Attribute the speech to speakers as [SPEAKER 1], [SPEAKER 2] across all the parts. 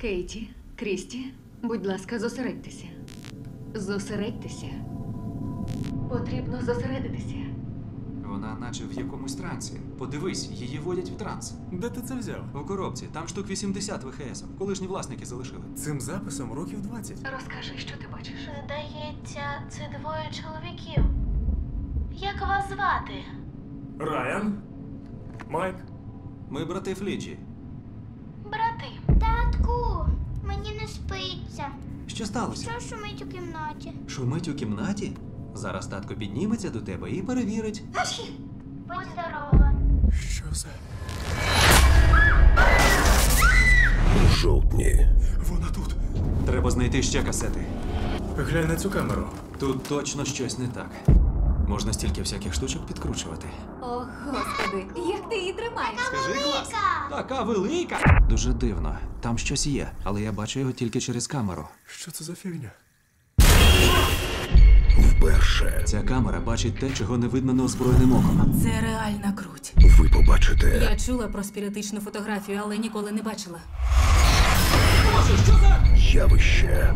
[SPEAKER 1] Кейті, Крісті, будь ласка, зосередьтеся. Зосередьтеся. Потрібно зосередитися.
[SPEAKER 2] Вона наче в якомусь трансі. Подивись, її водять в транс.
[SPEAKER 3] Де ти це взяв?
[SPEAKER 2] У коробці. Там штук 80 ВХС. Колишні власники залишили.
[SPEAKER 3] Цим записом років 20.
[SPEAKER 1] Розкажи, що ти бачиш.
[SPEAKER 4] Здається, це двоє чоловіків. Як вас звати?
[SPEAKER 3] Райан? Майк?
[SPEAKER 2] Ми брати Фліджі.
[SPEAKER 4] Брати.
[SPEAKER 5] Татку, мені не спиться.
[SPEAKER 2] Що сталося?
[SPEAKER 5] Що шумить у кімнаті?
[SPEAKER 2] Шумить у кімнаті? Зараз татко підніметься до тебе і перевірить.
[SPEAKER 5] Будь здорова.
[SPEAKER 3] Що за...
[SPEAKER 6] У жовтні.
[SPEAKER 3] Вона тут.
[SPEAKER 2] Треба знайти ще касети.
[SPEAKER 3] Глянь на цю камеру.
[SPEAKER 2] Тут точно щось не так. Можна стільки всяких штучок підкручувати.
[SPEAKER 1] О, Господи, як ти її тримаєш?
[SPEAKER 2] Скажи, клас! Така велика! Дуже дивно. Там щось є, але я бачу його тільки через камеру.
[SPEAKER 3] Що це за фігня?
[SPEAKER 6] Вперше
[SPEAKER 2] Ця камера бачить те, чого не видно неозброєним оком.
[SPEAKER 7] Це реальна круть.
[SPEAKER 6] ви побачите
[SPEAKER 7] Я чула про спіритичну фотографію, але ніколи не бачила.
[SPEAKER 6] явище.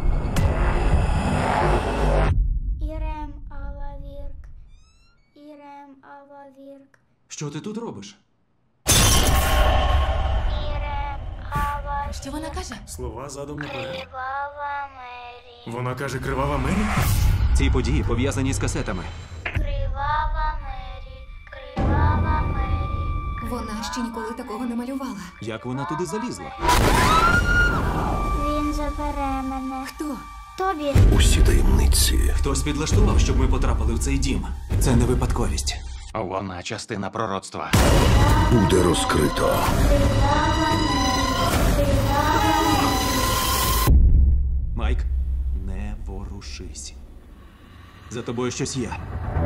[SPEAKER 5] Ірем Алавірк. Ірем Алавірк.
[SPEAKER 2] Що ти тут робиш?
[SPEAKER 5] Ірем Алавірк.
[SPEAKER 7] Що вона каже?
[SPEAKER 3] Слова задом наперед.
[SPEAKER 5] Кривава Мері.
[SPEAKER 3] Вона каже кривава Мері?
[SPEAKER 2] Ці події пов'язані з касетами.
[SPEAKER 5] Кривава Мері. Кривава Мері.
[SPEAKER 7] Вона ще ніколи такого не малювала.
[SPEAKER 2] Як вона туди залізла?
[SPEAKER 5] Він забере мене.
[SPEAKER 7] Хто?
[SPEAKER 5] Тобі.
[SPEAKER 6] Усі таємниці.
[SPEAKER 2] Хтось підлаштував, щоб ми потрапили в цей дім. Це не випадковість.
[SPEAKER 8] Вона частина пророцтва.
[SPEAKER 6] Буде розкрито.
[SPEAKER 2] Майк, не ворушись. За тобою щось є.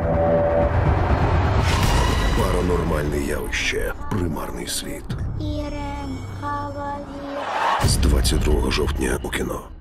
[SPEAKER 6] Паранормальне явище. Примарний світ.
[SPEAKER 5] Ірем Алавірк.
[SPEAKER 6] З 22 жовтня у кіно.